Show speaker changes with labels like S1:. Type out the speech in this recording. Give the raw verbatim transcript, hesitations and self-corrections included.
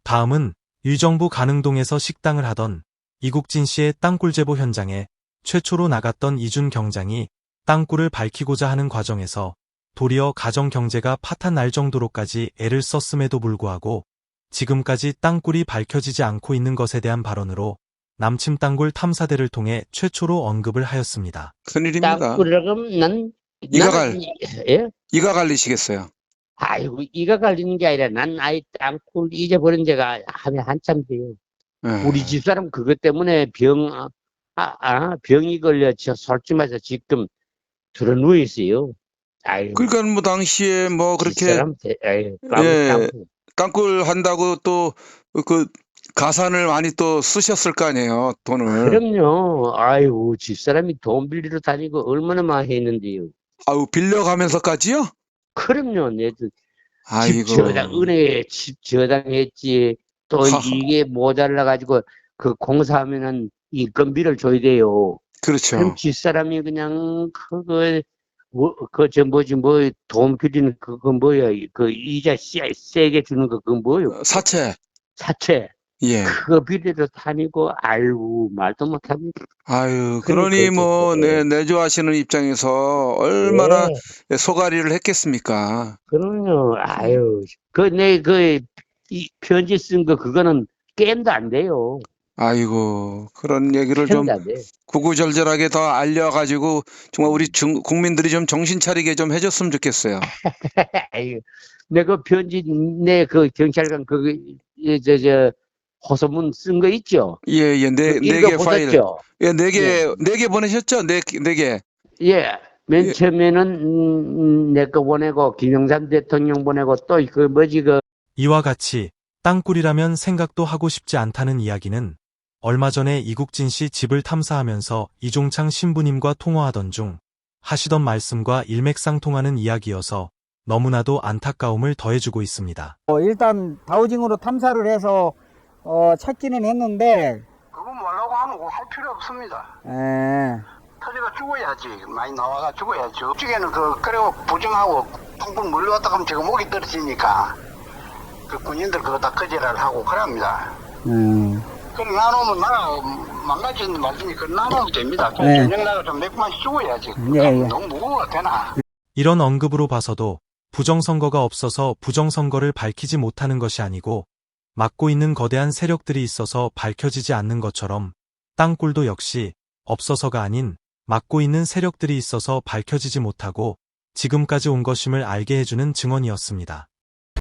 S1: 다음은 의정부 가능동에서 식당을 하던 이국진 씨의 땅굴 제보 현장에 최초로 나갔던 이준 경장이 땅굴을 밝히고자 하는 과정에서 도리어 가정 경제가 파탄 날 정도로까지 애를 썼음에도 불구하고 지금까지 땅굴이 밝혀지지 않고 있는 것에 대한 발언으로 남침 땅굴 탐사대를 통해 최초로 언급을 하였습니다.
S2: 큰일입니다.
S3: 땅굴이라고 하면 난,
S2: 이가
S3: 나는,
S2: 갈-
S3: 예?
S2: 이가 갈리시겠어요.
S3: 아이고, 이가 갈리는 게 아니라 난 아이 땅굴 잊어버린 지가 하면 한참 돼요.
S2: 예.
S3: 우리 집사람 그것 때문에 병, 아, 아, 병이 걸려 저 솔직해서 지금 들어 누워 있어요. 아이고,
S2: 그러니까 뭐 당시에 뭐 그렇게
S3: 집사람, 대- 아이고, 깜-
S2: 예.
S3: 깜-
S2: 땅굴 한다고 또 그 가산을 많이 또 쓰셨을 거 아니에요, 돈을.
S3: 그럼요. 아이고, 집사람이 돈 빌리러 다니고 얼마나 많이 했는데요.
S2: 아유, 빌려가면서까지요?
S3: 그럼요. 내도
S2: 아이고.
S3: 집 저당, 은행에 집 저당했지. 또
S2: 하하.
S3: 이게 모자라가지고 그 공사하면은 인건비를 줘야 돼요.
S2: 그렇죠.
S3: 그럼 집사람이 그냥 그거, 뭐, 그, 저 뭐지, 뭐, 돈 빌리는 그거 뭐야. 그 이자 세, 세게 주는 거 그거 뭐요.
S2: 사채.
S3: 사채.
S2: 예.
S3: 그거 빌리러 다니고, 아이고, 말도 못합니다.
S2: 아유,
S3: 그러니까
S2: 그러니 뭐,
S3: 이제,
S2: 네, 내조하시는 입장에서 얼마나
S3: 예,
S2: 소가리를 했겠습니까?
S3: 그럼요. 아유, 그, 내, 그, 이 편지 쓴 거, 그거는 게임도 안 돼요.
S2: 아이고, 그런 얘기를 좀
S3: 게임도 안 돼.
S2: 구구절절하게 더 알려가지고 정말 우리 중, 국민들이 좀 정신 차리게 좀 해줬으면 좋겠어요.
S3: 아유, 내가 편지, 내 그 경찰관, 그, 이, 저, 저, 호소문 쓴 거 있죠?
S2: 예, 예, 네,
S3: 그
S2: 네 개 파일.
S3: 읽어보셨죠?
S2: 예, 네 개,
S3: 예.
S2: 네 개 보내셨죠? 네, 네 개.
S3: 예. 맨
S2: 예.
S3: 처음에는, 음, 내 거 보내고, 김영삼 대통령 보내고, 또, 그, 뭐지, 그,
S1: 이와 같이 땅굴이라면 생각도 하고 싶지 않다는 이야기는 얼마 전에 이국진 씨 집을 탐사하면서 이종창 신부님과 통화하던 중 하시던 말씀과 일맥상통하는 이야기여서 너무나도 안타까움을 더해주고 있습니다.
S4: 어, 일단 다우징으로 탐사를 해서 어, 찾기는 했는데
S5: 그거 뭐라고 하는 거 할 필요 없습니다.
S4: 에,
S5: 터지가 죽어야지. 많이 나와가 죽어야지. 어쩌게는 그, 그리고 부정하고 펑펑 몰려왔다 하면 제가 목이 떨어지니까 그 군인들 그거 다 거짓말을 하고 그럽니다.
S4: 음,
S5: 그럼 나누면 나라 망가지는 말씀이 그 나누면 됩니다.
S4: 네.
S5: 저녁 나가 몇 번씩 죽어야지.
S4: 예, 예.
S5: 너무 무거워 되나?
S1: 이런 언급으로 봐서도 부정선거가 없어서 부정선거를 밝히지 못하는 것이 아니고 막고 있는 거대한 세력들이 있어서 밝혀지지 않는 것처럼 땅굴도 역시 없어서가 아닌 막고 있는 세력들이 있어서 밝혀지지 못하고 지금까지 온 것임을 알게 해주는 증언이었습니다.